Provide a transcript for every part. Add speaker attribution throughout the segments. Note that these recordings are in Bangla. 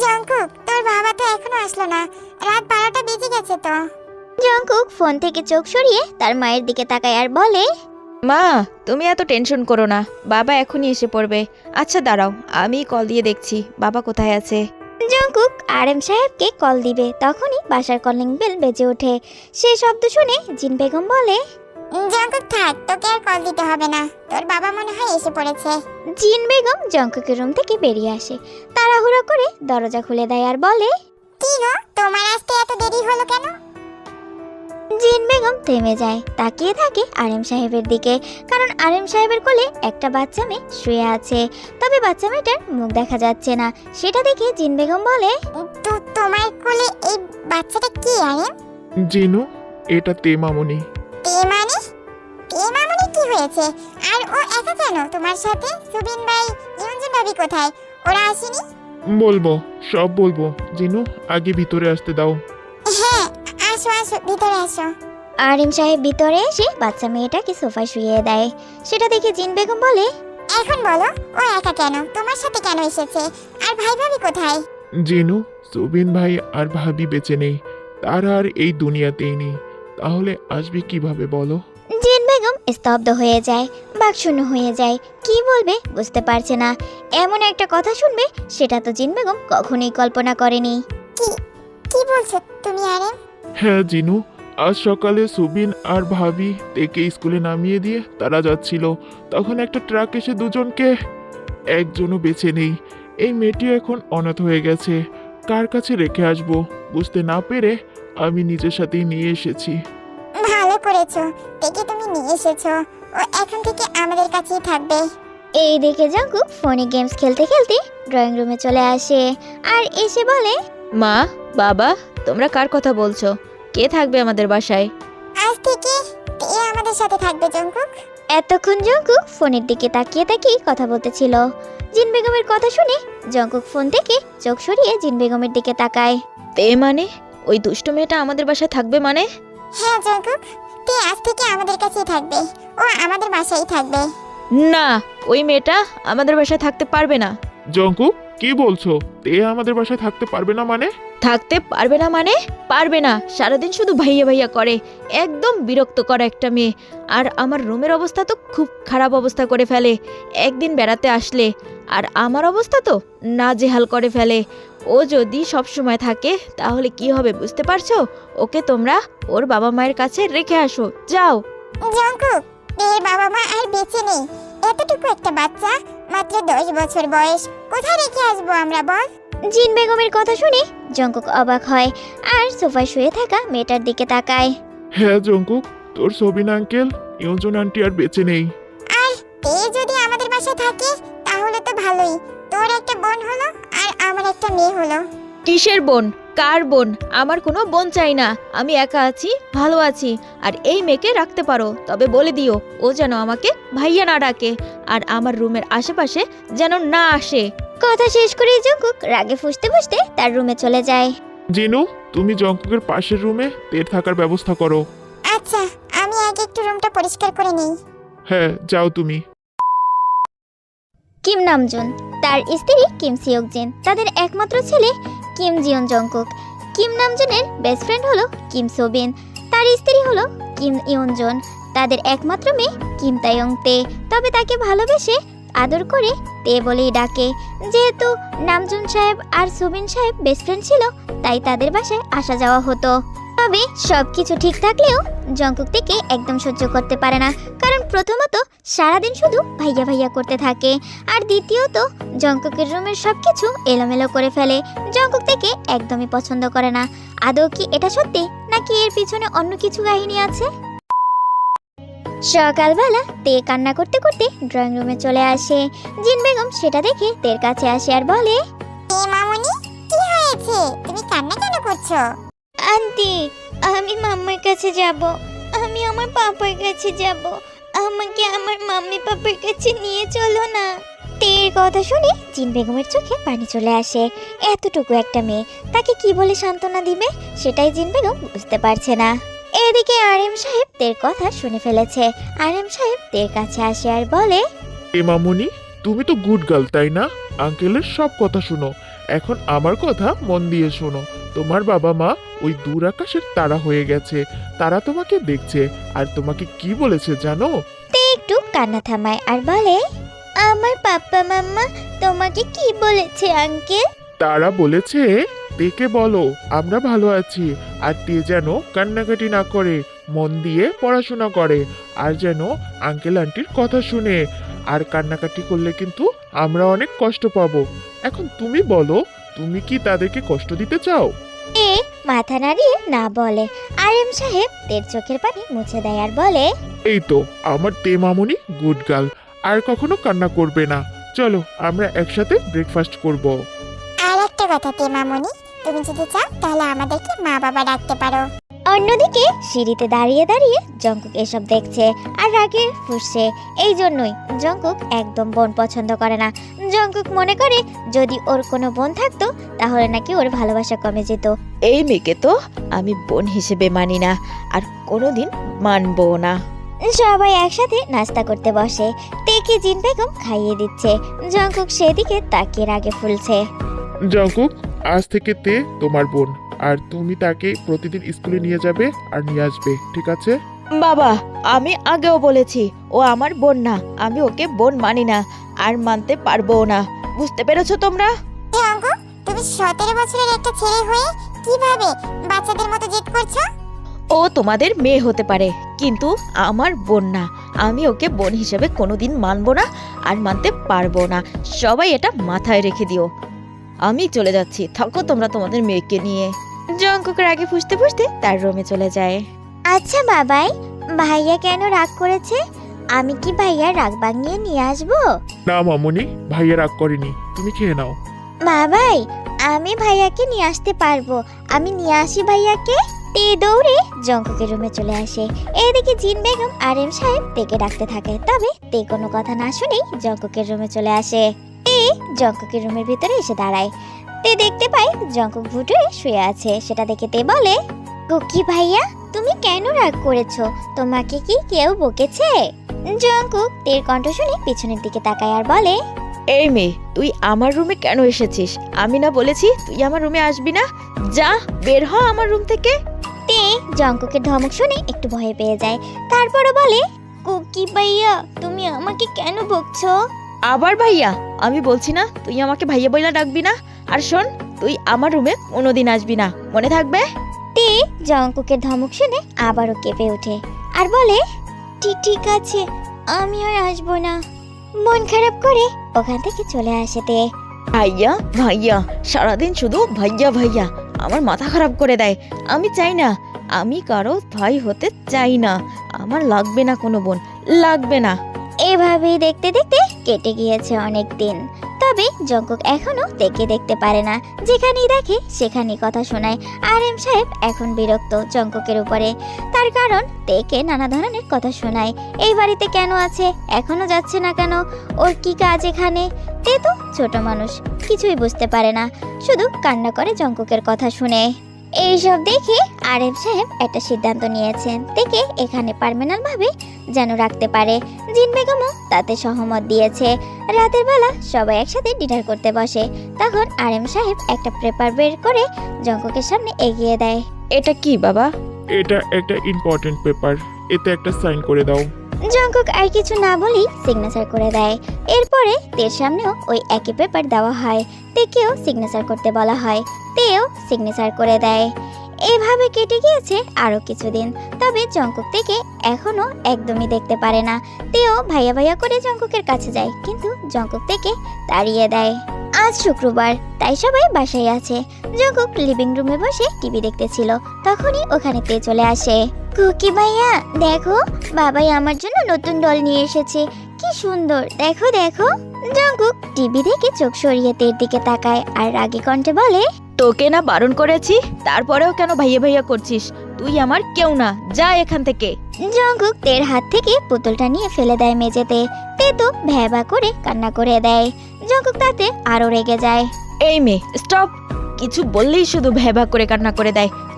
Speaker 1: জঙ্কুক, তোর বাবা তো এখনো আসলো না, রাত 12টা বেজে গেছে তো।
Speaker 2: জঙ্কুক ফোন থেকে চোখ সরিয়ে তার মায়ের দিকে তাকায় আর বলে,
Speaker 3: মা, তুমি এত টেনশন করো না, বাবা এখনই এসে পড়বে। আচ্ছা দাঁড়াও, আমি কল দিয়ে দেখছি বাবা কোথায় আছে।
Speaker 2: জঙ্কুক আরএম সাহেবকে কল দিবে, তখনই বাসার কলিং বেল বেজে ওঠে। সেই শব্দ শুনে জিন বেগম বলে,
Speaker 1: জঙ্কুক থাক, তোকে আর কল দিতে হবে না, তোর বাবা মনে হয় এসে পড়েছে।
Speaker 2: জিন বেগম জঙ্কুকের রুম থেকে বেরিয়ে আসে, তাড়াহুড়ো করে দরজা খুলে দেয় আর বলে,
Speaker 1: কি গো, তোমার আসতে এত দেরি হলো কেন?
Speaker 2: জিন বেগম থেমে যায়, তাকিয়ে থাকে আরএম সাহেবের দিকে, কারণ আরএম সাহেবের কোলে একটা বাচ্চা মেয়ে শুয়ে আছে, তবে বাচ্চা মেয়েটার মুখ দেখা যাচ্ছে না। সেটা দেখে জিন বেগম বলে,
Speaker 1: তো তোমার কোলে এই বাচ্চাটা কি আরে?
Speaker 4: জিনু, এটা তে মামুনি।
Speaker 1: তে মানে? তে মামুনি কি হয়েছে? আর ও একা কেন তোমার সাথে? সুবিন ভাই, ইউনজুন ভাবি কোথায়? ওরা আসেনি?
Speaker 4: বলবো, সব বলবো। জিনু, আগে ভিতরে আসতে দাও।
Speaker 1: হ্যাঁ, আসো আসো, ভিতরে আসো।
Speaker 2: আরএম সাহেব ভিতরে এসে বাচ্চা মেয়েটাকে সোফায় শুইয়ে দেয়। সেটা দেখে জিন বেগম বলে,
Speaker 1: এখন বলো, ও একা কেন তোমার সাথে কেন এসেছে? আর ভাই ভাবি কোথায়?
Speaker 4: জিনু, সুবিন ভাই আর ভাবি বেঁচে নেই, তারা আর এই দুনিয়াতেই নেই, তাহলে আসবে কিভাবে বলো?
Speaker 2: জিন বেগম স্তব্ধ হয়ে যায়, বাকশূন্য হয়ে যায়, কি বলবে বুঝতে পারছে না। এমন একটা কথা শুনবে সেটা তো জিন বেগম কখনোই কল্পনা করেনি।
Speaker 1: কি কি বলছো তুমি আরে?
Speaker 4: হ্যাঁ জিনু, আজ সকালে সুবিন আর ভাবি তেকে স্কুলে নামিয়ে দিয়ে তারা যাচ্ছিল, তখন একটা ট্রাক এসে দুজনকে, একজনও বেঁচে নেই। এই মেয়েটি এখন অনাথ হয়ে গেছে, কার কাছে রেখে আসবো বুঝতে না পেরে আমি নিজের সাথেই নিয়ে এসেছি।
Speaker 1: ভালো করেছো, দেখে তুমি নিয়ে এসেছো। ও এখন থেকে আমাদের কাছেই থাকবে।
Speaker 2: এই দেখে জঙ্কুক ফোনে গেমস খেলতে খেলতে ড্রয়িং রুমে চলে আসে আর এসে বলে,
Speaker 3: মা, বাবা, তোমরা কার কথা বলছো? কে থাকবে আমাদের বাসায়?
Speaker 1: আজ থেকে তে আমাদের সাথে থাকবে জঙ্কুক।
Speaker 2: এতক্ষণ জঙ্কুক ফোনের দিকে তাকিয়ে তাকিয়ে কথা বলতেছিল। জিন বেগমের কথা শুনে জঙ্কুক ফোন থেকে চোখ সরিয়ে জিন বেগমের দিকে তাকায়।
Speaker 3: তে মানে? ওই দুষ্ট মেয়েটা আমাদের বাসায় থাকবে মানে?
Speaker 1: হ্যাঁ জঙ্কুক, তে আজ থেকে আমাদের কাছেই থাকবে, ও আমাদের বাসায় থাকবে।
Speaker 3: না, ওই মেয়েটা আমাদের বাসায় থাকতে পারবে না।
Speaker 4: জঙ্কু, কি বলছো? তে আমাদের বাসায় থাকতে পারবে না মানে?
Speaker 3: থাকতে পারবে না মানে? পারবে না, সারাদিন শুধু ভাইয়া ভাইয়া করে, একদম বিরক্ত করা একটা মেয়ে। আর আমার রুমের অবস্থা তো খুব খারাপ অবস্থা করে ফেলে একদিন বেড়াতে আসলে, আর আমার অবস্থা তো নাজেহাল করে ফেলে। ও যদি সব সময় থাকে তাহলে কি হবে বুঝতে পারছো? ওকে তোমরা ওর বাবা মায়ের কাছে রেখে আসো, যাও।
Speaker 1: জঙ্কুক, তের বাবা মা আর বেঁচে নেই, এতটুকু একটা বাচ্চা, মাত্র 10 বছর বয়স, কোথায় রেখে আসবো আমরা বল?
Speaker 2: জিন বেগমের কথা শুনে জঙ্কুক অবাক হয় আর সোফায় শুয়ে থাকা মেয়েটার দিকে তাকায়।
Speaker 4: হ্যাঁ জঙ্কুক, তোর সবিন আঙ্কেল, ইউজন আন্টি আর বেঁচে নেই।
Speaker 1: আর তে যদি আমাদের বাসায় থাকে তাহলে তো ভালোই, তোর একটা বোন হলো আর আমার একটা মেয়ে হলো।
Speaker 3: কিসের বোন? কার বোন? আমার কোনো বোন চাই না, আমি একা আছি, ভালো আছি। আর এই মেয়েকে রাখতে পারো, তবে বলে দিও ও যেন আমাকে ভাইয়া না ডাকে, আর আমার রুমের আশেপাশে যেন না আসে।
Speaker 2: কথা শেষ করে জঙ্কুক রাগে ফুঁসতে ফুঁসতে তার রুমে চলে যায়।
Speaker 4: জিনু, তুমি জঙ্কুকের পাশের রুমে তের থাকার ব্যবস্থা করো।
Speaker 1: আচ্ছা, আমি আগে একটু রুমটা পরিষ্কার করে নেই।
Speaker 4: হ্যাঁ, যাও তুমি।
Speaker 2: কিম নামজুন, তার স্ত্রী কিম সিওকজিন, তাদের একমাত্র ছেলে কিম জিয়ন জঙ্কুক। কিম নামজুনের বেস্ট ফ্রেন্ড হলো কিম সোবিন, তার স্ত্রী হলো কিম ইয়নজন, তাদের একমাত্র মেয়ে কিম তায়ং তে, তবে তাকে ভালোবেসে আদর করে তে বলেই ডাকে। যেহেতু নামজুন সাহেব আর সোবিন সাহেব বেস্ট ফ্রেন্ড ছিল, তাই তাদের বাসায় আসা যাওয়া হতো। তবে সবকিছু ঠিক থাকলেও জঙ্কুক থেকে একদম সহ্য করতে পারে না, কারণ প্রথমত সারাদিন শুধু ভাইয়া ভাইয়া করতে থাকে, আর দ্বিতীয়ত জঙ্কুকের রুমের সবকিছু এলোমেলো করে ফেলে। জঙ্কুক থেকে একদমই পছন্দ করে না। আদৌ কি এটা সত্যি, নাকি এর পিছনে অন্য কিছু কাহিনী আছে? সকালবেলা তে কান্না করতে করতে ড্রয়িং রুমে চলে আসে। জিন বেগম সেটা দেখে তের কাছে আসে আর বলে,
Speaker 1: তে মামুনি, কি হয়েছে? তুমি কান্না কেন করছো?
Speaker 2: আন্টি, আমি মাম্মার কাছে যাব, আমি আমার পাপার কাছে যাব, আমাকে আমার মাম্মি পাপার কাছে নিয়ে চলো না। তের কথা শুনে জিন বেগমের চোখে পানি চলে আসে। এতটুকু একটা মেয়ে, তাকে কি বলে সান্ত্বনা দিবে সেটাই জিন বেগম বুঝতে পারছে না। এদিকে আরএম সাহেব তের কথা শুনে ফেলেছে। আরএম সাহেব তের কাছে আসে আর বলে,
Speaker 4: এ মামুনি, তুমি তো গুড গার্ল তাই না? আঙ্কেলের সব কথা শুনো, এখন আমার কথা মন দিয়ে শোনো। তোমার বাবা মা ওই দূর আকাশের তারা হয়ে গেছে, তারা তোমাকে দেখছে। আর তোমাকে কি বলেছে জানো?
Speaker 2: তে একটু কান্না থামায় আর বলে, আমার পাপ্পা মাম্মা তোমাকে কি বলেছে আঙ্কেল?
Speaker 4: তারা বলেছে তেকে বলো আমরা ভালো আছি, আর তে যেন কান্নাকাটি না করে, মন দিয়ে পড়াশোনা করে, আর যেন আঙ্কেল আন্টির কথা শুনে। আর কান্নাকাটি করলে কিন্তু আমরা অনেক কষ্ট পাবো। এখন তুমি বলো, তুমি কি তাদেরকে কষ্ট দিতে চাও?
Speaker 2: এ মাথা নাড়িয়ে না বলে। আর এম সাহেব তের চোখের পানি মুছে দেয় আর বলে,
Speaker 4: এই তো আমার তে মামুনি গুড গার্ল, আর কখনো কান্না করবে না। চলো আমরা একসাথে ব্রেকফাস্ট করব।
Speaker 1: আর একটা কথা তে মামুনি, তুমি যদি চাও তাহলে আমাদেরকে মা বাবা ডাকতে পারো।
Speaker 2: অন্যদিকে সিঁড়িতে দাঁড়িয়ে দাঁড়িয়ে জঙ্কুক এসব দেখছে আর রাগে ফুঁসছে। এই জন্যই জঙ্কুক একদম বোন পছন্দ করে না। জঙ্কুক মনে করে যদি ওর কোনো বোন থাকতো তাহলে নাকি ওর ভালোবাসা কমে যেত।
Speaker 3: এই মেয়েকে তো আমি বোন হিসেবে মানি না, আর কোনোদিন মানবো না।
Speaker 2: সবাই একসাথে নাস্তা করতে বসে। তেকে জিন বেগম খাইয়ে দিচ্ছে। জঙ্কুক সেদিকে তাকিয়ে রাগে ফুলছে।
Speaker 4: জঙ্কুক, আজ থেকে তে তোমার বোন, আর তুমি তাকে প্রতিদিন স্কুলে নিয়ে যাবে আর নিয়ে আসবে, ঠিক আছে?
Speaker 3: বাবা, আমি আগেও বলেছি ও আমার বোন না, আমি ওকে বোন মানি না আর মানতে পারবো না। বুঝতে পেরেছো তোমরা?
Speaker 1: এ অঙ্ক, তুমি 17 বছরের একটা ছেলে হয়ে কিভাবে বাচ্চাদের মতো জেদ করছো?
Speaker 3: ও তোমাদের মেয়ে হতে পারে, কিন্তু আমার বোন না। আমি ওকে বোন হিসেবে কোনোদিন মানবো না আর মানতে পারবো না। সবাই এটা মাথায় রেখে দিও। আমি চলে যাচ্ছি, থাকো তোমরা তোমাদের মেয়েকে নিয়ে। জঙ্কুকের আগে ফুসতে ফুসতে তার রুমে চলে যায়।
Speaker 2: আচ্ছা বাবাই, ভাইয়া কেন রাগ করেছে? আমি কি ভাইয়ার রাগ ভাঙিয়ে নিয়ে আসবো?
Speaker 4: না মামুনি, ভাইয়া রাগ করেনি, তুমি খেয়ে নাও।
Speaker 2: বাবাই, আমি ভাইয়াকে নিয়ে আসতে পারবো। আমি নিয়ে আসি ভাইয়াকে। তে দৌড়ে জঙ্কুকের রুমে চলে আসে। এদিকে জিন বেগম আর এম সাহেব তেকে ডাকতে থাকে, তবে তে কোনো কথা না শুনেই জঙ্কুকের রুমে চলে আসে। তে জঙ্কুকের রুমের ভিতরে এসে দাঁড়ায়। তে দেখতে পায় জঙ্কুক ভুটে শুয়ে আছে। সেটা দেখে তে বলে, কুকি ভাইয়া, তুমি কেন রাগ করেছো? তোমাকে কি কেউ বকেছে? জঙ্কুক তের কণ্ঠ শুনে পিছনের দিকে তাকায় আর বলে,
Speaker 3: এই মেয়ে, তুই আমার রুমে কেন এসেছিস? আমি না বলেছি তুই আমার রুমে আসবি না? যা, বের হ আমার রুম থেকে।
Speaker 2: তে জঙ্কুকের ধমক শুনে একটু ভয় পেয়ে যায়। তারপরও বলে, কুকি ভাইয়া, তুমি আমাকে কেন বকছো?
Speaker 3: আবার ভাইয়া? আমি বলছি না তুই আমাকে ভাইয়া বইলা ডাকবি না। আর শোন, তুই আমার রুমে কোনোদিন আসবি না, মনে থাকবে?
Speaker 2: তে জঙ্কুকের ধমক শুনে আবারও কেঁপে ওঠে আর বলে, ঠিক আছে, আমি আর আসবো না। মন খারাপ করে ওখান থেকে চলে আসে তে।
Speaker 3: ভাইয়া ভাইয়া, সারাদিন শুধু ভাইয়া ভাইয়া, আমার মাথা খারাপ করে দেয়। আমি চাই না, আমি কারো ভাই হতে চাই না। আমার লাগবে না কোনো বোন, লাগবে না।
Speaker 2: এভাবেই দেখতে দেখতে কেটে গিয়েছে অনেক দিন। তবে জঙ্কুক এখনো তেকে দেখতে পারে না। যেখানেই দেখে সেখানেই কথা শোনায়। আর এম সাহেব এখন বিরক্ত জঙ্কুকের উপরে। তার কারণ তেকে নানা ধরনের কথা শোনায়। এই বাড়িতে কেন আছে, এখনো যাচ্ছে না কেন, ওর কি কাজ এখানে? তে তো ছোট মানুষ, কিছুই বুঝতে পারে না, শুধু কান্না করে জঙ্কুকের কথা শুনে। এইসব দেখে আর এম সাহেব একটা সিদ্ধান্ত নিয়েছেন, তেকে এখানে পার্মানেন্ট ভাবে যেন রাখতে পারে। জিন বেগমও তাতে সহমত দিয়েছে। রাতের বেলা সবাই একসাথে ডিনার করতে বসে। তখন আর এম সাহেব একটা পেপার বের করে জঙ্কুকের সামনে এগিয়ে দেয়।
Speaker 3: এটা কি বাবা?
Speaker 4: এটা একটা ইম্পর্টেন্ট পেপার, এতে একটা সাইন করে দাও।
Speaker 2: জঙ্কুক আর কিছু না বলেই সিগনেচার করে দেয়। এরপরে তের সামনেও ওই একই পেপার দেওয়া হয়। তেকেও সিগনেচার করতে বলা হয়। তেও সিগনেচার করে দেয়। এভাবে কেটে গিয়েছে আরো কিছুদিন। তবে জঙ্কুক থেকে এখনো একদমই দেখতে পারে না। তেও ভাইয়া ভাইয়া করে জঙ্কুকের কাছে যায়, কিন্তু জঙ্কুক থেকে তাড়িয়ে দেয়। আজ শুক্রবার, তাই সবাই বাসায় আছে। জঙ্কুক লিভিং রুমে বসে টিভি দেখতেছিল, তখনই ওখানে তে চলে আসে। কুকি ভাইয়া, দেখো, বাবাই আমার জন্য নতুন ডল নিয়ে এসেছে। কি সুন্দর, দেখো দেখো। জঙ্কুক টিভি দেখে চোখ সরিয়ে তের দিকে তাকায় আর রাগী কণ্ঠে বলে,
Speaker 3: তোকে না বারণ করেছি, তারপরেও কেন ভাইয়া ভাইয়া করছিস? তুই আমার কেউ না, যা এখান থেকে।
Speaker 2: জঙ্কুক তের হাত থেকে পুতুলটা নিয়ে ফেলে দেয় মেঝেতে। তে তো ভ্যাবা করে কান্না করে দেয়। জঙ্কুক তাতে আরো রেগে যায়।
Speaker 3: এই মেয়ে, স্টপ! কিছু বললেই শুধু ভ্যাবা করে কান্না করে দেয়।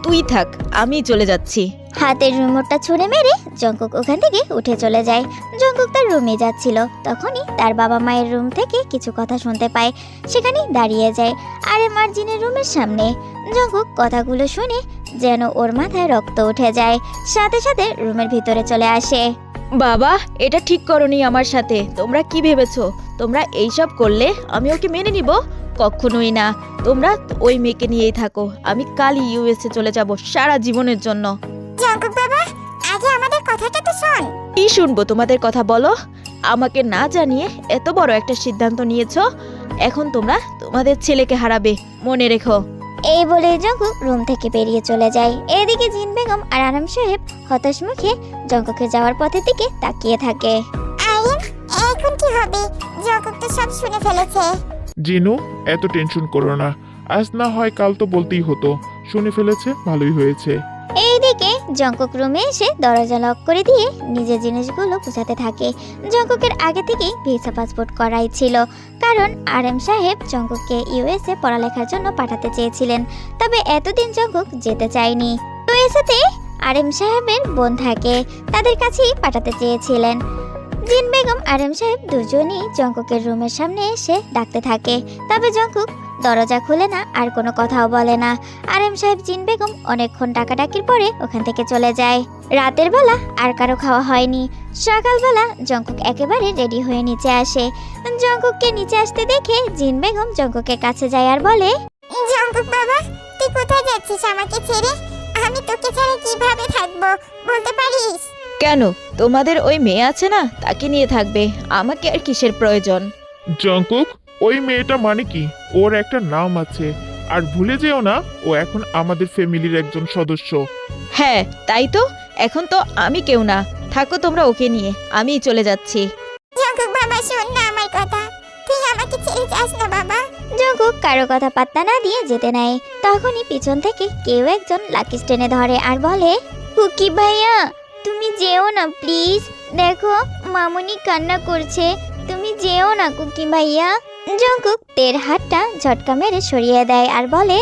Speaker 3: তুই থাক, আমি চলে যাচ্ছি।
Speaker 2: হাতের রিমোটটা ছুঁড়ে মেরে জঙ্কুক ওখান থেকে উঠে চলে যায়। জঙ্কুক তার রুমে যাচ্ছিল, তখনই তার বাবা মায়ের রুম থেকে কিছু কথা শুনতে পায়। সেখানেই দাঁড়িয়ে যায় আরএম আর জিনের রুমের সামনে। জঙ্কুক কথাগুলো শুনে যেন ওর মাথায় রক্ত উঠে যায়, সাথে সাথে রুমের ভিতরে চলে আসে।
Speaker 3: বাবা, এটা ঠিক করনি আমার সাথে। তোমরা কি ভেবেছো তোমরা এইসব করলে আমি ওকে মেনে নিব? কখনোই না। তোমরা ওই মেয়েকে নিয়েই থাকো। আমি কালই ইউএসএ চলে যাব সারা জীবনের জন্য।
Speaker 1: জঙ্কুক বাবা, আগে আমাদের কথাটা তো শোন।
Speaker 3: কি শুনবো তোমাদের কথা? বলো। আমাকে না জানিয়ে এত বড় একটা সিদ্ধান্ত নিয়েছো। এখন তোমরা তোমাদের ছেলেকে হারাবে, মনে রেখো।
Speaker 2: এই বলে জঙ্কুক রুম থেকে বেরিয়ে চলে যায়। এদিকে জিন বেগম আর আরাম সাহেব হতাশ মুখে জঙ্কুকের যাওয়ার পথের দিকে তাকিয়ে থাকে।
Speaker 1: আরিম, এখন কি হবে? জঙ্কুক তো সব শুনে ফেলেছে।
Speaker 4: জিনু, এত টেনশন করো না। আজ না হয় কাল তো বলতেই হতো। শুনে ফেলেছে, ভালোই হয়েছে।
Speaker 2: এইদিকে জঙ্কুক রুমে এসে দরজা লক করে দিয়ে নিজের জিনিসগুলো গুছাতে থাকে। জঙ্কুকের আগে থেকেই ভিসা পাসপোর্ট করাই ছিল, কারণ আরএম সাহেব জঙ্কুককে ইউএসএ পড়ালেখার জন্য পাঠাতে চেয়েছিলেন। তবে এতদিন জঙ্কুক যেতে চায়নি। ইউএসএতে আরএম সাহেবের বোন থাকে, তাদের কাছেই পাঠাতে চেয়েছিলেন। জিন বেগম আরএম সাহেব দুজনই জঙ্কুকের রুমের সামনে এসে ডাকতে থাকে, তবে জঙ্কুক দরজা খুলে না আর কোনো কথাও বলে না। আরএম সাহেব জিন বেগম অনেকক্ষণ ডাকাডাকির পরে ওখান থেকে চলে যায়। রাতের বেলা আর কারো খাওয়া হয়নি। সকালবেলা জঙ্কুক একেবারে রেডি হয়ে নিচে আসে। জঙ্কুককে নিচে আসতে দেখে জিন বেগম জঙ্কুকের কাছে যায় আর বলে,
Speaker 1: জঙ্কুক বাবা, তুই কোথায় যাচ্ছিস আমাকে ছেড়ে? আমি তোকে ছাড়া কিভাবে থাকবো বলতে পারিস?
Speaker 3: কেন? তোমাদের ওই মেয়ে আছে না, তাকে নিয়ে থাকবে। আমাকে আর কিসের প্রয়োজন?
Speaker 4: জঙ্কুক, ওই মেয়েটা মানে কি? ওর একটা নাম আছে। আর ভুলে যেও না, ও এখন আমাদের ফ্যামিলির একজন সদস্য।
Speaker 3: হ্যাঁ, তাই তো। এখন তো আমি কেউ না। থাকো তোমরা ওকে নিয়ে, আমিই চলে যাচ্ছি।
Speaker 1: জঙ্কুক বাবা, শোন না আমার কথা। তুই আমাকে ছেড়ে যাস না বাবা।
Speaker 2: জঙ্কুক কারো কথা পাত্তা না দিয়ে যেতে নেয়। তখনই পিছন থেকে কেউ একজন লাকি টেনে ধরে আর বলে, কুকি ভাইয়া, তুমি যেও না প্লিজ। দেখো মামুনি কান্না করছে, তুমি যেও না কুকি ভাইয়া। জঙ্কুক তের হাতটা ঝটকা মেরে সরিয়ে দেয় আর বলে,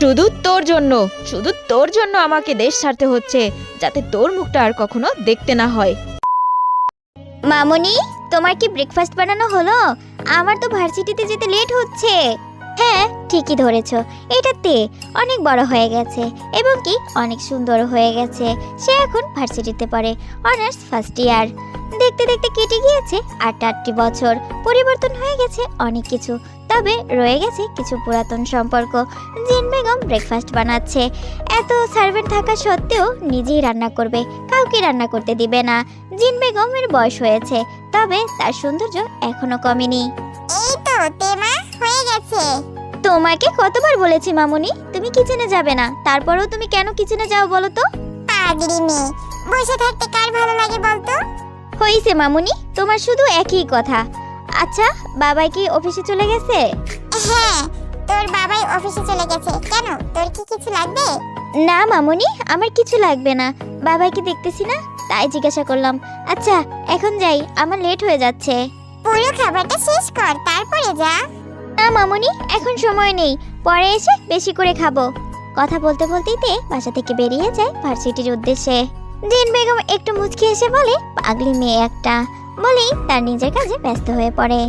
Speaker 3: শুধু তোর জন্য আমাকে দেশ ছাড়তে হচ্ছে, যাতে তোর মুখটা আর কখনো দেখতে না হয়।
Speaker 2: মামুনি, তোমার কি ব্রেকফাস্ট বানানো হলো? আমার তো ভার্সিটিতে যেতে লেট হচ্ছে। হ্যাঁ, ঠিকই ধরেছ। এটা তে অনেক বড় হয়ে গেছে এবং কি অনেক সুন্দর হয়ে গেছে। সে এখন ভার্সিটিতে পড়ে, অনার্স ফার্স্ট ইয়ার। দেখতে দেখতে কেটে গিয়েছে 8টি বছর। পরিবর্তন হয়ে গেছে অনেক কিছু, তবে রয়ে গেছে কিছু পুরাতন সম্পর্ক। জিন বেগম ব্রেকফাস্ট বানাচ্ছে। এত সার্ভেন্ট থাকা সত্ত্বেও নিজেই রান্না করবে, কাউকে রান্না করতে দিবে না। জিন বেগমের বয়স হয়েছে, তবে তার সৌন্দর্য এখনো কমেনি।
Speaker 1: এই তো তেমা হয়ে গেছে।
Speaker 2: তোমাকে কতবার বলেছি মামুনি, তুমি কিচেনে যাবে না, তারপরেও তুমি কেন কিচেনে যাও বলো তো?
Speaker 1: পাগলি মেয়ে, বসে থাকতে কার ভালো লাগে বলতো?
Speaker 2: হইছে মামুনি, তোমার শুধু একই কথা। আচ্ছা, বাবাই কি অফিসে চলে গেছে?
Speaker 1: হ্যাঁ, তোর বাবাই অফিসে চলে গেছে। কেন, তোর কি কিছু লাগবে?
Speaker 2: না মামুনি, আমার কিছু লাগবে না। বাবাইকে দেখতেছি না, তাই জিজ্ঞাসা করলাম। আচ্ছা, এখন যাই, আমার লেট হয়ে যাচ্ছে।
Speaker 1: পুরো খাবারটা শেষ কর, তারপরে যা।
Speaker 2: না মামুনি, এখন সময় নেই, পরে এসে বেশি করে খাবো। কথা বলতে বলতেই তে বাসা থেকে বেরিয়ে যায় ভার্সিটির উদ্দেশ্যে। জিন বেগম একটু মুচকি এসে বলে, পাগলি মেয়ে একটা, বলেই তার নিজের কাজে ব্যস্ত হয়ে পড়ে।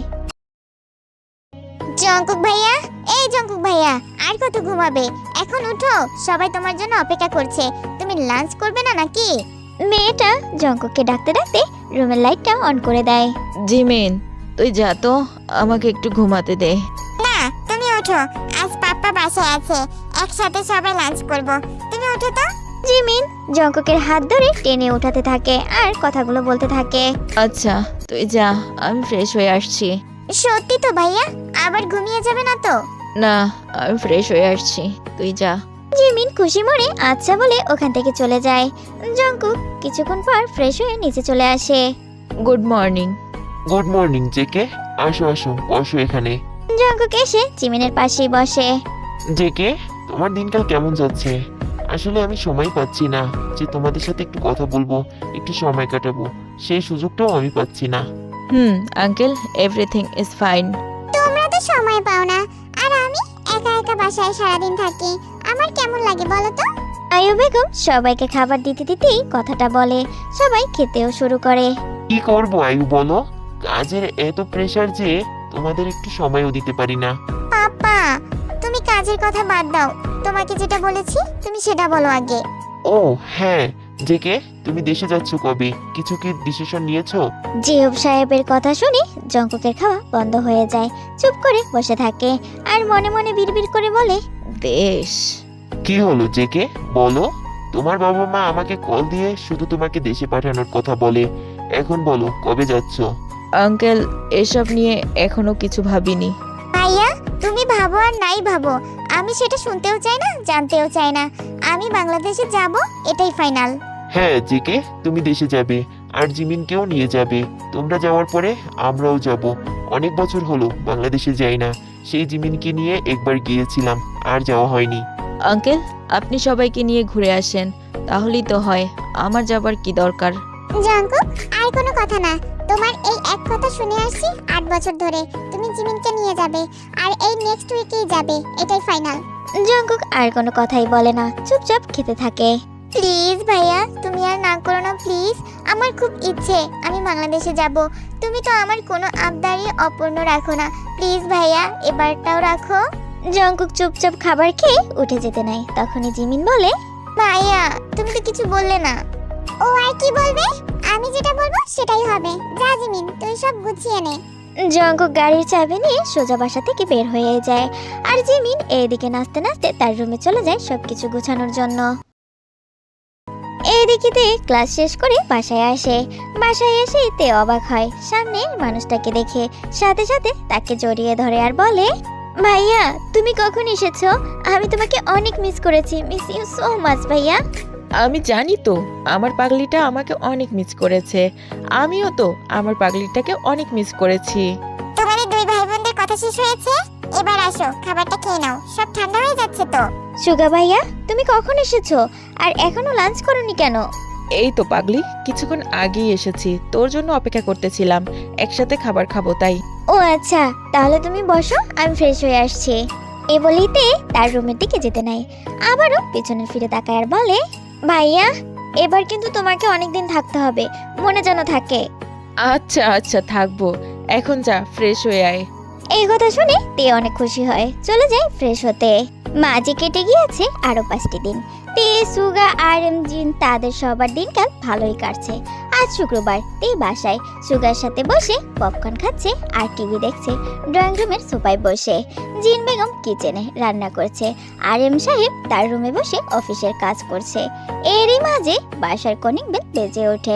Speaker 1: জঙ্কুক ভাইয়া, এই জঙ্কুক ভাইয়া, আর কত ঘুমাবে? এখন উঠো, সবাই তোমার জন্য অপেক্ষা করছে। তুমি লাঞ্চ করবে না নাকি?
Speaker 2: মেয়েটা জঙ্কুককে ডাকতে ডাকতে রুমের লাইটটা অন করে দেয়।
Speaker 3: জিমিন, তুই যা তো, আমাকে একটু ঘুমাতে দে।
Speaker 1: না, তুমি ওঠো, আজ পাপ্পা বাসায় আছে, একসাথে সবাই লাঞ্চ করব। তুমি ওঠো তো।
Speaker 2: জিমিন জঙ্কুকের হাত ধরে টেনে উঠাতে থাকে আর কথাগুলো বলতে থাকে।
Speaker 3: আচ্ছা, তুই যা, আমি ফ্রেশ হয়ে আসছি।
Speaker 1: সত্যি তো ভাইয়া? আবার ঘুমিয়ে যাবে না তো?
Speaker 3: না, আমি ফ্রেশ হয়ে আসছি, তুই যা।
Speaker 2: জিমিন খুশি মনে আচ্ছা বলে ওখান থেকে চলে যায়। জঙ্কুক কিছুক্ষণ পর ফ্রেশ হয়ে নিচে চলে আসে।
Speaker 3: Good morning.
Speaker 5: Good morning JK, আসো আসো, বসো এখানে।
Speaker 2: জঙ্কুক এসে জিমিনের পাশেই বসে।
Speaker 5: জেকে, তোমার দিনকাল কেমন যাচ্ছে? আসলে আমি সময় পাচ্ছি না যে তোমাদের সাথে একটু কথা বলবো, একটু সময় কাটাবো, সেই সুযোগটাও আমি পাচ্ছি না।
Speaker 3: Uncle, everything is fine.
Speaker 1: তোমরা তো সময় পাও না, আর আমি একা একা বাসায় সারাদিন থাকি। আমার কেমন লাগে বলো তো?
Speaker 2: আয়ু বেগম সবাইকে খাবার দিতে দিতেই কথাটা বলে। সবাই খেতেও শুরু করে।
Speaker 5: কি করবো আয়ু বলো, কাজের এত প্রেসার যে তোমাদের একটু সময়ও দিতে পারি না।
Speaker 1: পাপা, তুমি কাজের কথা বাদ দাও, তোমাকে যেটা বলেছি তুমি সেটা বলো আগে।
Speaker 5: ও হ্যাঁ, জেকে তুমি দেশে যাচ্ছ কবে? কিছু কি ডিসিশন নিয়েছো?
Speaker 2: জিওব সাহেবের কথা শুনে জঙ্কুকের খাওয়া বন্ধ হয়ে যায়। চুপ করে বসে থাকে আর মনে মনে বিড়বিড় করে বলে,
Speaker 3: দেশ।
Speaker 5: কি হলো জেকে, বলো। তোমার বাবা মা আমাকে কল দিয়ে শুধু তোমাকে দেশে পাঠানোর কথা বলে। এখন বলো কবে যাচ্ছ?
Speaker 3: আঙ্কেল, এসব নিয়ে এখনো কিছু ভাবিনি।
Speaker 1: ভাইয়া, তুমি ভাবো আর নাই ভাবো, আমি সেটা শুনতেও চাই না, জানতেও চাই না। আমি বাংলাদেশে যাব, এটাই ফাইনাল।
Speaker 5: হ্যাঁ জেকে, তুমি দেশে যাবে আর জিমিনকেও নিয়ে যাবে। তোমরা যাওয়ার পরে আমরাও যাব। অনেক বছর হলো বাংলাদেশে যাই না। সেই জিমিনকে নিয়ে একবার গিয়েছিলাম, আর যাওয়া হয়নি।
Speaker 3: আঙ্কেল, আপনি সবাইকে নিয়ে ঘুরে আসেন, তাহলেই তো হয়। আমার যাবার কি দরকার?
Speaker 1: জাঙ্কুক, আর কোনো কথা না। তোমার এই এক কথা শুনে আসছি 8 বছর ধরে। তুমি জিমিনকে নিয়ে যাবে, আর এই নেক্সট উইকেই যাবে, এটাই ফাইনাল।
Speaker 2: জঙ্কুক আর কোনো কথাই বলে না, চুপচাপ খেতে থাকে।
Speaker 1: প্লিজ ভাইয়া, তুমি আর না করো না প্লিজ। আমার খুব ইচ্ছে আমি বাংলাদেশে যাব। তুমি তো আমার কোনো আবদারই অপূর্ণ রাখো না। প্লিজ ভাইয়া, এবারটাও রাখো।
Speaker 2: জঙ্কুক চুপচাপ খাবার খেয়ে উঠে যেতে নাই। তখনই জিমিন বলে,
Speaker 1: ভাইয়া, তুমি তো কিছু বললে না। ও আর কি বলবে? আমি যেটা বলবো সেটাই হবে। যা জিমিন, তুই সব গুছিয়ে নে।
Speaker 2: জঙ্কুক গাড়ির চাবি নিয়ে সোজা বাসা থেকে বের হয়ে যায়। আর জিমিন এইদিকে নাচতে নাচতে তার রুমে চলে যায় সবকিছু গোছানোর জন্য। এইদিকে তে ক্লাস শেষ করে বাসায় আসে। বাসায় এসে তে অবাক হয় সামনের মানুষটাকে দেখে। সাথে সাথে তাকে জড়িয়ে ধরে আর বলে, ভাইয়া তুমি কখন এসেছো? আমি তোমাকে অনেক মিস করেছি। মিস ইউ সো মাচ ভাইয়া।
Speaker 3: আমি জানি তো, আমার পাগলিটা আমাকে অনেক মিস করেছে। আমিও তো আমার পাগলিটাকে অনেক মিস করেছি।
Speaker 1: তোমাদের দুই ভাই বোনদের কথা শেষ হয়েছে? এবার আসো, খাবারটা খেয়ে নাও, সব ঠান্ডা হয়ে যাচ্ছে তো।
Speaker 2: সুগা ভাইয়া, তুমি কখন এসেছো আর এখনো লাঞ্চ করোনি কেন?
Speaker 3: এই তো পাগলি, কিছুক্ষণ আগেই এসেছি, তোর জন্য অপেক্ষা করতেছিলাম। একসাথে খাবার খাবো তাই।
Speaker 2: ও আচ্ছা, তাহলে তুমি বসো, আমি ফ্রেশ হয়ে আসছি। এ বলেইতে তার রুমের দিকে যেতে নাই। আবারও পেছনে ফিরে তাকায় আর বলে, ভাইয়া এবার কিন্তু তোমাকে অনেকদিন থাকতে হবে, মনে যেন থাকে।
Speaker 3: আচ্ছা আচ্ছা থাকবো, এখন যা ফ্রেশ হয়ে আয়।
Speaker 2: এই কথা শুনে তে অনেক খুশি হয়, চলে যায় ফ্রেশ হতে। মাঝে কেটে গিয়েছে আরো 5টি দিন। তে, সুগা আর জিন তাদের সবার দিনকাল ভালোই কাটছে। আজ শুক্রবার, তে বাসায় সুগার সাথে বসে পপকর্ন খাচ্ছে আর টিভি দেখছে ড্রয়িং রুমের সোফায় বসে। জিন বেগম কিচেনে রান্না করছে আর সাহেব তার রুমে বসে অফিসের কাজ করছে। এরই মাঝে বাসার কলিং বেল বেজে ওঠে।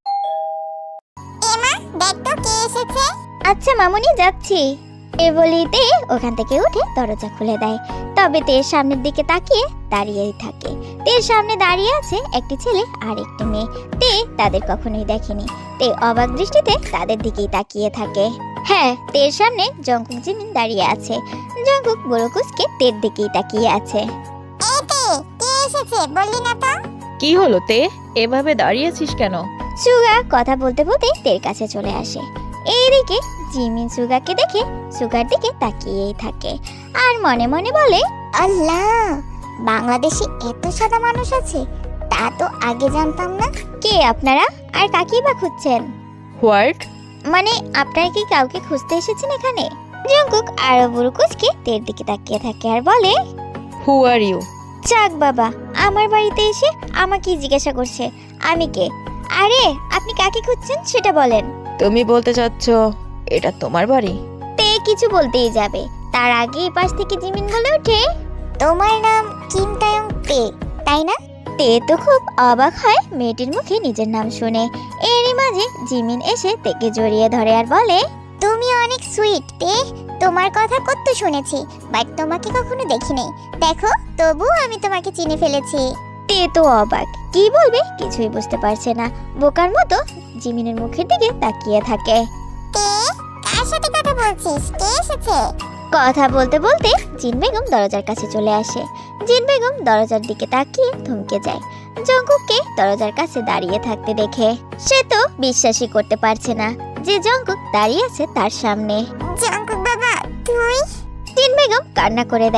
Speaker 1: এমা, দেখ তো কে এসেছে।
Speaker 2: আচ্ছা মামুনি, যাচ্ছি। এ বলিতে ওখান থেকে উঠে দরজা খুলে দেয়। তবে তের সামনের দিকে তাকিয়ে দাঁড়িয়েই থাকে। তের সামনে দাঁড়িয়ে আছে একটি ছেলে আর একটি মেয়ে। তে তাদের কখনোই দেখেনি। তে অবাক দৃষ্টিতে তাদের দিকেই তাকিয়ে থাকে। হ্যাঁ, তের সামনে জঙ্কুক জিমিন দাঁড়িয়ে আছে। জঙ্কুক বড়কুসকে তের দিকেই তাকিয়ে আছে।
Speaker 1: এই তে, কে এসেছে বললি না তো?
Speaker 3: কি হলো তে, এভাবে দাঁড়িয়েছিস কেন?
Speaker 2: সুগা কথা বলতে বলতে তের কাছে চলে আসে। এইদিকে জিমিন সুগাকে দেখে সুগার দিকে তাকিয়েই থাকে আর মনে মনে বলে,
Speaker 1: আল্লাহ, বাংলাদেশে এত সাদা মানুষ আছে, তা তো আগে জানতাম না।
Speaker 2: কে আপনারা আর কাকেই বা খুঁজছেন?
Speaker 3: হোয়াট?
Speaker 2: মানে আপনারা কি কাউকে খুঁজতে এসেছেন এখানে? জঙ্কুক আরো বুড়ুকুসকে তের দিকে তাকিয়ে থাকে আর বলে,
Speaker 3: হু আর ইউ?
Speaker 2: চাক বাবা, আমার বাড়িতে এসে আমাকে জিজ্ঞাসা করছে আমি কে। আরে আপনি কাকে খুঁজছেন সেটা বলেন।
Speaker 3: তুমি বলতে চাচ্ছ এটা তোমার বাড়ি?
Speaker 2: তে কিছু বলতেই যাবে, তার আগে পাশ থেকে জিমিন বলে ওঠে,
Speaker 1: তোমার নাম কিম তায়ং তে, তাই না?
Speaker 2: তে তো খুব অবাক হয় মেয়েটির মুখে নিজের নাম শুনে। এরই মাঝে জিমিন এসে তেকে জড়িয়ে ধরে আর বলে,
Speaker 1: তুমি অনেক সুইট তে, তোমার কথা কত শুনেছি, বাট তোমাকে কখনো দেখিনি। দেখো, তবু আমি তোমাকে চিনে ফেলেছি।
Speaker 2: তে তো অবাক, কি বলবে কিছুই বুঝতে পারছে না। বোকার মতো জিমিনের মুখের দিকে তাকিয়ে থাকে।
Speaker 1: তে, কার সাথে কথা বলছিস? কে এসেছে?
Speaker 2: কথা বলতে বলতে জিন বেগম দরজার কাছে চলে আসে। জিন বেগম দরজার দিকে তাকিয়ে থমকে যায় জঙ্কুককে দরজার কাছে দাঁড়িয়ে থাকতে দেখে। সে তো বিশ্বাসই করতে পারছে না যে জঙ্কুক দাঁড়িয়ে আছে তার সামনে।
Speaker 1: জাঙ্কুক বাবা, তুই?
Speaker 2: জিন বেগম কান্না করে দেয়।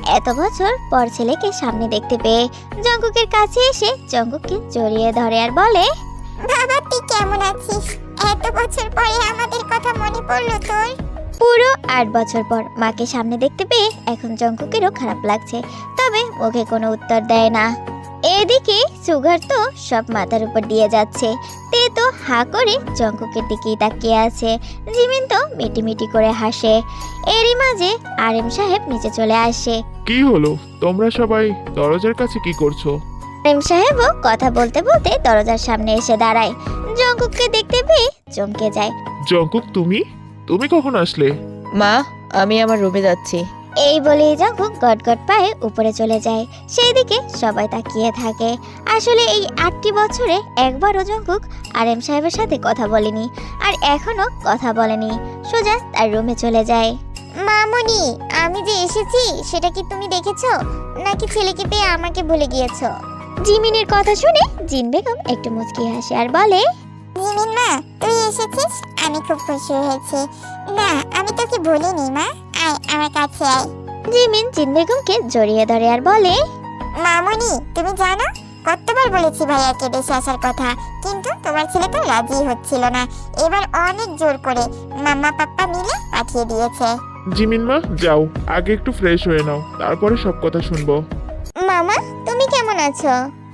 Speaker 2: এত বছর পর ছেলেকে সামনে দেখতে পেয়ে জঙ্কুকের কাছে এসে জঙ্কুককে জড়িয়ে ধরে আর বলে,
Speaker 1: বাবা তুই কেমন আছিস? এত বছর পরে আমাদের কথা মনে পড়লো তোর?
Speaker 2: পুরো 8 বছর পর মাকে সামনে দেখতে পেয়ে এখন জঙ্কুকেরও খারাপ লাগছে, তবে মুখে কোনো উত্তর দেয় না। এদিকে সুগার তো সব মাথার উপর দিয়ে যাচ্ছে। তে তো হা করে জঙ্কুকের দিকেই তাকিয়ে আছে। জিমিন তো মিটিমিটি করে হাসে। এরই মাঝে আরএম সাহেব নিচে চলে আসে।
Speaker 4: কি হলো, তোমরা সবাই দরজার কাছে কি করছো?
Speaker 2: আরএম সাহেবও কথা বলতে বলতে দরজার সামনে এসে দাঁড়ায়। জঙ্কুককে দেখতে পেয়ে চমকে যায়।
Speaker 4: জঙ্কুক, তুমি কখন আসলে?
Speaker 3: মা, আমি আমার রুমে যাচ্ছি।
Speaker 2: এই বলেই জঙ্কুক গটগট পায়ে উপরে চলে যায়। সেই দিকে সবাই তাকিয়ে থাকে। আসলে এই 8টি বছরে একবারও জঙ্কুক আরএম সাহেবের সাথে কথা বলেনি, আর এখনো কথা বলেনি। সোজা তার রুমে চলে যায়।
Speaker 1: মামুনি, আমি যে এসেছি সেটা কি তুমি দেখেছো, নাকি ছেলেকে পেয়ে আমাকে ভুলে গিয়েছো?
Speaker 2: জিমিনের কথা শুনে জিন বেগম একটু মুচকি হাসে আর বলে,
Speaker 1: জিমিন মা, তুই এসেছিস, আমি খুব খুশি হয়েছি। না, আমি তোকে ভুলিনি মা, আয় আমার কাছে আয়।
Speaker 2: জিমিন জিন বেগমকে জড়িয়ে ধরে আর বলে,
Speaker 1: মামুনি, তুমি জানো কতবার বলেছি ভাইয়াকে দেশে আসার কথা, কিন্তু তোমার ছেলে তো রাজি হচ্ছিল না। এবার অনেক জোর করে মাম্মা পাপ্পা মিলে পাঠিয়ে দিয়েছে।
Speaker 4: জিমিন মা, যাও আগে একটু ফ্রেশ হয়ে নাও, তারপরে সব কথা শুনবো।
Speaker 1: মামা, তুমি কেমন আছো?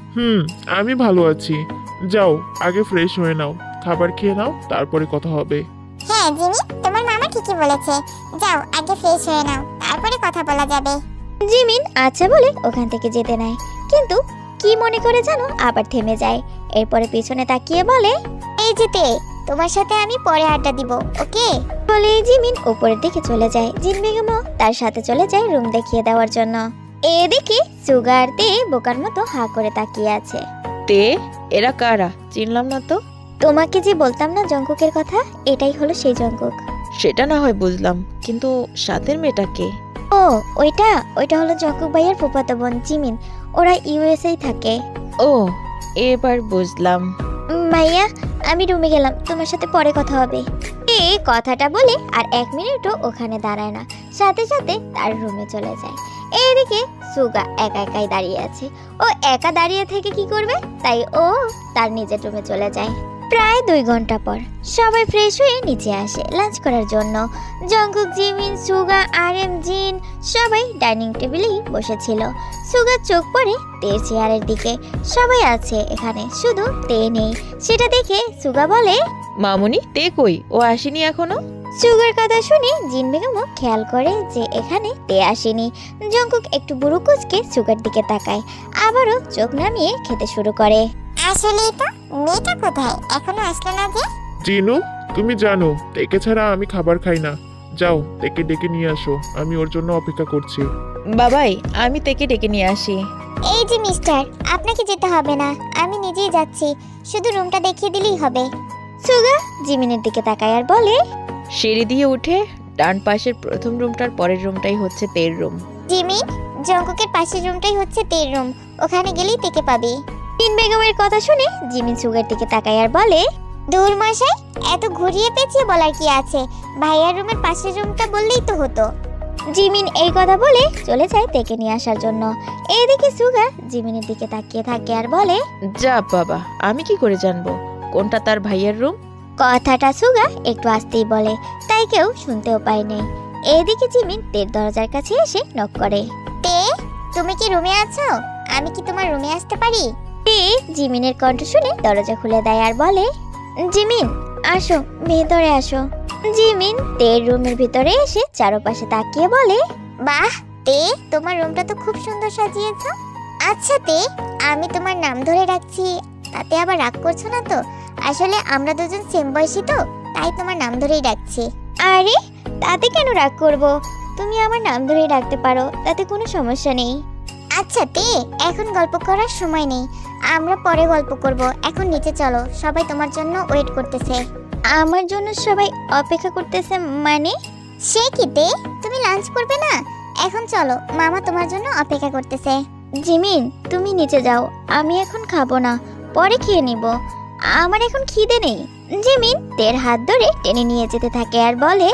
Speaker 4: আমি ভালো আছি। যাও আগে ফ্রেশ হয়ে নাও, খাবার খেয়ে নাও, তারপরে কথা হবে।
Speaker 1: হ্যাঁ জিমি, তোমার মামা ঠিকই বলেছে। যাও আগে ফ্রেশ হয়ে নাও, তারপরে কথা বলা যাবে।
Speaker 2: জিমিন আচ্ছা বলে ওখান থেকে যেতে নেয়, কিন্তু কি মনে করে জানো আবার থেমে যায়। এরপরে পিছনে তাকিয়ে বলে,
Speaker 1: এই যেতে, তোমার সাথে আমি পরে আড্ডা দিব, ওকে?
Speaker 2: বলে জিমিন উপরের দিকে চলে যায়। জিন বেগমও তার সাথে চলে যায় রুম দেখিয়ে দেওয়ার জন্য। এদিকে সুগার তে বোকার মতো হা করে তাকিয়ে আছে।
Speaker 3: তে, এরা কারা? চিনলাম না তো।
Speaker 2: তোমাকে যে বলতাম না জঙ্কুকের কথা, এটাই হলো সেই জঙ্কুক।
Speaker 3: সেটা না হয় বুঝলাম, কিন্তু সাথের মেয়েটাকে?
Speaker 2: ও, ওইটা হলো জঙ্কুক ভাইয়ের ফুফাতো বোন জিমিন। ওরা ইউএসএই থাকে।
Speaker 3: ও, এবার বুঝলাম।
Speaker 2: ভাইয়া, আমি রুমে গেলাম, তোমার সাথে পরে কথা হবে। এই কথাটা বলে আর 1 মিনিটও ওখানে দাঁড়ায় না, সাথে সাথে তার রুমে চলে যায়। এইদিকে সুগা একা একাই দাঁড়িয়ে আছে। ও একা দাঁড়িয়ে থেকে কি করবে, তাই ও তার নিজের রুমে চলে যায়। প্রায় 2 ঘন্টা পর সবাই ফ্রেশ হয়ে নিচে আসে লাঞ্চ করার জন্য। জঙ্কুক, জিমিন, সুগা, আরএম, জিন সবাই ডাইনিং টেবিলেই বসেছিল। সুগার চোখ পড়ে তের চেয়ারের দিকে। সবাই আছে এখানে, শুধু তে নেই। সেটা দেখে সুগা বলে,
Speaker 3: মামুনি, তে কই? ও আসেনি এখনো?
Speaker 2: সুগার কথা শুনে জিন বেগমও খেয়াল করে যে এখানে তে আসেনি। জঙ্কুক একটু বুড়ো কুচকে সুগার দিকে তাকায়, আবারও চোখ নামিয়ে খেতে শুরু করে।
Speaker 1: আসলেই তো, মেয়েটা কোথায়, এখনো আসলো না যে?
Speaker 4: জিনু, তুমি জানো তেকে ছাড়া আমি খাবার খাই না। যাও তেকে ডেকে নিয়ে আসো, আমি ওর জন্য অপেক্ষা করছি।
Speaker 3: বাবাই, আমি তেকে ডেকে নিয়ে আসি।
Speaker 1: এই যে মিস্টার, আপনাকে যেতে হবে না, আমি নিজেই যাচ্ছি, শুধু রুমটা দেখিয়ে দিলেই হবে।
Speaker 2: সুগা জিমিনের দিকে তাকায় আর বলে,
Speaker 3: সিঁড়ি দিয়ে উঠে ডান পাশের প্রথম রুমটার পরের রুমটাই হচ্ছে তের রুম।
Speaker 1: জিমি, জঙ্কুকের পাশের রুমটাই হচ্ছে তের রুম, ওখানে গেলেই তেকে পাবি।
Speaker 2: জিন বেগমের কথা শুনে জিমিন সুগার দিকে তাকায় আর বলে,
Speaker 1: দূর মশাই, এত ঘুরিয়ে পেঁচিয়ে বলার কি আছে, ভাইয়ার রুমের পাশের রুমটা বললেই তো হতো।
Speaker 2: জিমিন এই কথা বলে চলে যায় তেকে নিয়ে আসার জন্য। এইদিকে সুগা জিমিনের দিকে তাকিয়ে থাকে আর বলে,
Speaker 3: যা বাবা, আমি কি করে জানবো কোনটা তার ভাইয়ের রুম?
Speaker 2: কথাটা সুগা একটু আসতেই বলে, তাই কেউ শুনতেও পায়নি। এদিকে জিমিন তের দরজার কাছে এসে নক করে।
Speaker 1: তে, তুমি কি রুমে আছো? আমি কি তোমার রুমে আসতে পারি?
Speaker 2: তে জিমিনের কণ্ঠ শুনে দরজা খুলে দেয় আর বলে, জিমিন আসো, ভেতরে আসো। জিমিন তের রুমের ভিতরে এসে চারপাশে তাকিয়ে বলে,
Speaker 1: বাহ তে, তোমার রুমটা তো খুব সুন্দর সাজিয়েছো। আচ্ছা তে, আমি তোমার নাম ধরে রাখছি, তাতে আবার রাগ করছো না তো? আসলে আমরা দুজন সেম বয়সী তো, তাই তোমার নাম ধরেই ডাকছি।
Speaker 2: আরে তাতে কেন রাগ করব, তুমি আমার নাম ধরেই ডাকতে পারো, তাতে কোনো সমস্যা নেই।
Speaker 1: আচ্ছা তে, এখন গল্প করার সময় নেই, আমরা পরে গল্প করব। এখন নিচে চলো, সবাই তোমার জন্য ওয়েট করতেছে।
Speaker 2: আমার জন্য সবাই অপেক্ষা করতেছে মানে?
Speaker 1: সে কি তে, তুমি লাঞ্চ করবে না? এখন চলো, মামা তোমার জন্য অপেক্ষা করতেছে।
Speaker 2: জিমিন তুমি নিচে যাও, আমি এখন খাবো না, পরে খেয়ে নিব, আমার এখন খিদে নেই। জিমিন তের হাত ধরে টেনে নিয়ে যেতে থাকে আর বলে,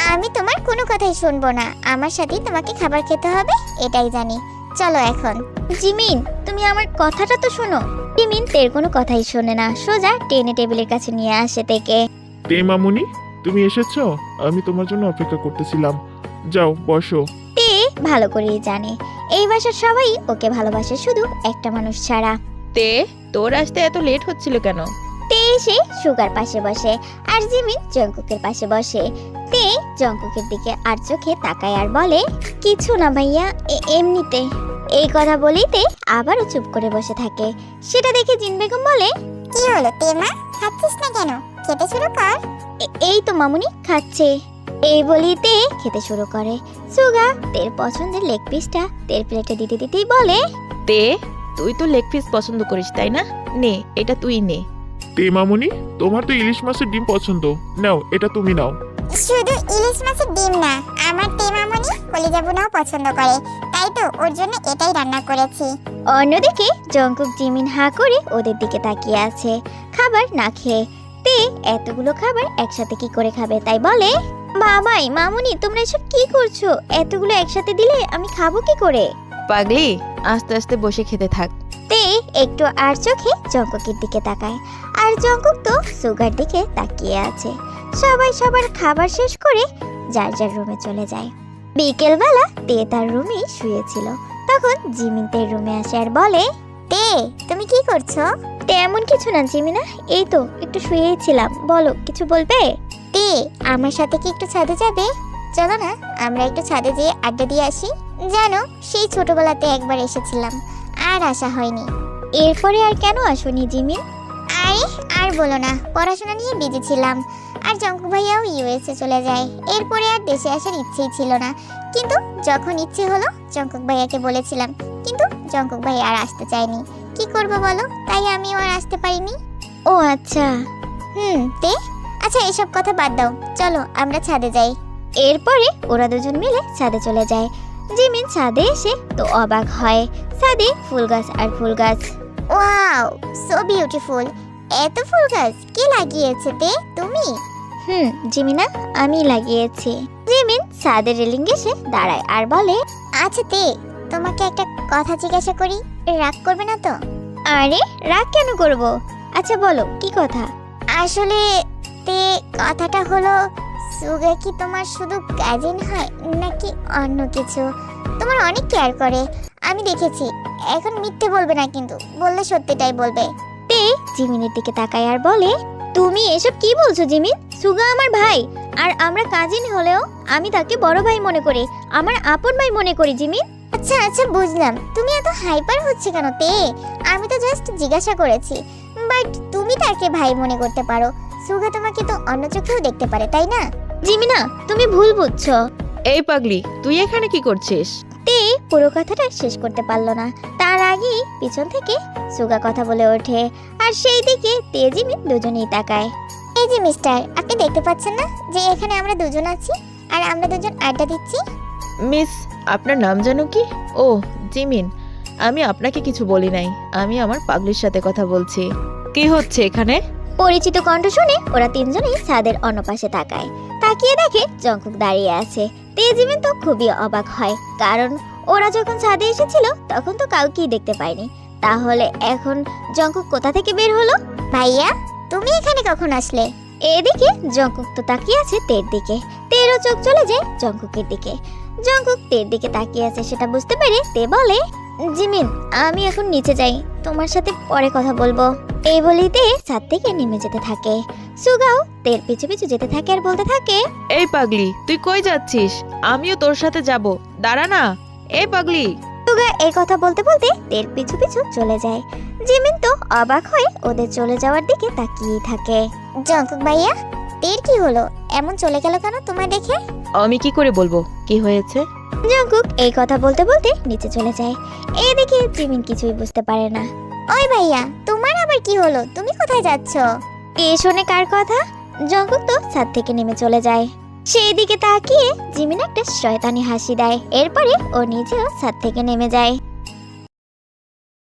Speaker 1: আমি তোমার কোনো কথাই শুনবো না, আমার সাথেই তোমাকে খাবার খেতে হবে, এটাই জানি। চলো এখন।
Speaker 2: জিমিন, তুমি আমার কথাটা তো শোনো। জিমিন তের কোনো কথাই শোনে না, সোজা টেনে টেবিলের কাছে নিয়ে আসে তেকে।
Speaker 4: তে মামুনি, তুমি এসেছো? আমি তোমার জন্য অপেক্ষা করতেছিলাম। যাও বসো।
Speaker 2: তে ভালো করেই জানে এই বাসার সবাই ওকে ভালোবাসে, শুধু একটা মানুষ ছাড়া।
Speaker 3: তে, তোর আসতে এত লেট হচ্ছিল কেন?
Speaker 2: তে এসে সুগার পাশে বসে আর জিমিন জঙ্কুকের পাশে বসে। তে জঙ্কুকের দিকে আর চোখে তাকায় আর বলে, কিছু না ভাইয়া, এমনিতে। এই কথা বলেই তে আবারও চুপ করে বসে থাকে। সেটা দেখে জিন বেগম বলে,
Speaker 1: কি হলো তেমা, খাচ্ছিস না কেন? খেতে শুরু কর।
Speaker 2: এই তো মামুনি খাচ্ছে। এই বলেই তে খেতে শুরু করে। সুগা তের পছন্দের লেগ পিসটা তের প্লেটে দিতে দিতেই বলে,
Speaker 3: তে, তুই তো লেগ পিস পছন্দ করিস তাই না? নে, এটা তুই নে।
Speaker 4: তে মামুনি, তোমার তো ইলিশ মাছের ডিম পছন্দ, নাও এটা তুমি নাও।
Speaker 1: শুধু ইলিশ মাছের ডিম না, আমার তেমামনি কলিজা ভুনাও পছন্দ করে, তাই তো ওর জন্য এটাই রান্না করেছি।
Speaker 2: অন্যদিকে জঙ্কুক জিমিন হা করে ওদের দিকে তাকিয়ে আছে, খাবার না খেয়ে। তে এতগুলো খাবার একসাথে কি করে খাবে, তাই বলে, বাবাই মামুনি তোমরা এসব কি করছো? এতগুলো একসাথে দিলে আমি খাবো কি করে?
Speaker 3: পাগলি, আস্তে আস্তে বসে খেতে থাক।
Speaker 2: তে একটু আর চোখে জঙ্কুকের দিকে তাকায়, আর জঙ্কুক তো সুগার দিকে তাকিয়ে আছে। সবাই সবার খাবার শেষ করে যার যার রুমে চলে যায়। বিকেলবেলা তে তার রুমেই শুয়েছিল, তখন জিমিন তের রুমে আসে আর বলে,
Speaker 1: তে, তুমি কি করছো?
Speaker 2: তেমন কিছু না জিমিনা, এই তো একটু শুয়েই ছিলাম, বলো কিছু বলবে?
Speaker 1: তে, আমার সাথে কি একটু ছাদে যাবে? চলো না, আমরা একটু ছাদে যেয়ে আড্ডা দিয়ে আসি। জানো, সেই ছোটবেলাতে একবার এসেছিলাম, আর আসা হয়নি।
Speaker 2: এরপরে আর কেন আসোনি জিমিন?
Speaker 1: আরে আর বলো না, পড়াশোনা নিয়ে বিজি ছিলাম, আর জঙ্কু ভাইয়াও ইউএসএ চলে যায়। এরপরে আর দেশে আসার ইচ্ছেই ছিল না, কিন্তু যখন ইচ্ছে হলো জঙ্কুক ভাইয়াকে বলেছিলাম, কিন্তু জঙ্কুক ভাই আর আসতে চায়নি। কি করবো বলো, তাই আমিও আর আসতে পারিনি।
Speaker 2: ও আচ্ছা।
Speaker 1: তে, আচ্ছা এসব কথা বাদ দাও, চলো আমরা ছাদে যাই।
Speaker 2: এরপরে ওরা দুজন মিলে ছাদে চলে যায়। জিমিন ছাদে এসে তো অবাক হয়, ছাদে ফুল গাছ আর ফুল গাছ।
Speaker 1: Wow, so beautiful. এত ফুল গাছ কে লাগিয়েছে তে, তুমি?
Speaker 2: জিমিনা, আমি লাগিয়েছি। জিমিন ছাদের রেলিং এসে দাঁড়ায় আর বলে,
Speaker 1: আচ্ছা তে, তোমাকে একটা কথা জিজ্ঞাসা করি, রাগ করবে না তো?
Speaker 2: আরে রাগ কেন করব? আচ্ছা বলো কি কথা?
Speaker 1: আসলে তে, কথাটা হলো, সুগা কি তোমার শুধু কাজিন হয় নাকি অন্য কিছু? তোমার অনেক কেয়ার করে, আমি দেখেছি। এখন মিথ্যে বলবে না কিন্তু, বললে সত্যিটাই বলবে।
Speaker 2: তে জিমিনের দিকে তাকায় আর বলে, তুমি এসব কি বলছো জিমিন? সুগা আমার ভাই, আর আমরা কাজিন হলেও আমি তাকে বড় ভাই মনে করি, আমার আপন ভাই মনে করি জিমিন।
Speaker 1: আচ্ছা আচ্ছা বুঝলাম, তুমি এত হাইপার হচ্ছে কেন তে? আমি তো জাস্ট জিজ্ঞাসা করেছি, বাট তুমি তাকে ভাই মনে করতে পারো, সুগা তোমাকে তো অন্য চোখেও দেখতে পারে, তাই না?
Speaker 2: জিমিনা, তুমি ভুল বুঝছো।
Speaker 3: এই পাগলি, তুই এখানে কি করছিস?
Speaker 2: তে পুরো কথাটা শেষ করতে পারলো না, তার আগেই পিছন থেকে সুগা কথা বলে ওঠে, আর সেই দিকে তে জিমিন দুজনেই তাকায়।
Speaker 1: এই যে মিস্টার, আপনি দেখতে পাচ্ছেন না যে এখানে আমরা দুজন আছি, আর আমরা দুজন আড্ডা দিচ্ছি?
Speaker 3: মিস, আপনার নাম জানো কি? ও জিমিন, আমি আপনাকে কিছু বলি নাই, আমি আমার পাগলির সাথে কথা বলছি। কি হচ্ছে এখানে?
Speaker 2: পরিচিত কণ্ঠ শুনে ওরা তিনজনেই ছাদের অন্য পাশে তাকায়, তাকিয়ে দেখে জঙ্কুক দাঁড়িয়ে আছে। তে জিমিন তো খুবই অবাক হয়, কারণ ওরা যখন ছাদে এসেছিল তখন তো কাউকেই দেখতে পায়নি, তাহলে এখন জঙ্কুক কোথা থেকে বের হলো?
Speaker 1: ভাইয়া, তুমি এখানে কখন আসলে?
Speaker 2: এদিকে জঙ্কুক তো তাকিয়ে আছে তের দিকে, তেরও চোখ চলে যায় জঙ্কুকের দিকে। জঙ্কুক তের দিকে তাকিয়ে আছে সেটা বুঝতে পেরে তে বলে, জিমিন আমি এখন নিচে যাই, তোমার সাথে পরে কথা বলবো। এই বলেই তে ছাদ থেকে নেমে যেতে থাকে। সুগাও তের পিছু পিছু যেতে থাকে আর বলতে থাকে,
Speaker 3: এই পাগলি, তুই কই যাচ্ছিস? আমিও তোর সাথে যাব, দাঁড়া না। এই পাগলি।
Speaker 2: সুগা এই কথা বলতে বলতে তের পিছু পিছু চলে যায়। জিমিন তো অবাক হয়ে ওদের চলে যাওয়ার দিকে তাকিয়েই থাকে।
Speaker 1: জঙ্কুক ভাইয়া, তের কি হলো? এমন চলে গেল কেন তোমায় দেখে?
Speaker 3: আমি কি করে বলবো কি হয়েছে?
Speaker 2: জঙ্কুক এই কথা বলতে বলতে নিচে চলে যায়। এদিকে জিমিন কিছুই বুঝতে পারে না।
Speaker 1: ওই ভাইয়া, তোমার আবার কি হলো? তুমি কোথায় যাচ্ছ?
Speaker 2: এ শোনে কার কথা? জঙ্কুক তো ছাদ থেকে নেমে চলে যায়। সেই দিকে তাকিয়ে জিমিন একটা শয়তানি হাসি দেয়, এরপরে ও নিজেও ছাদ থেকে নেমে যায়।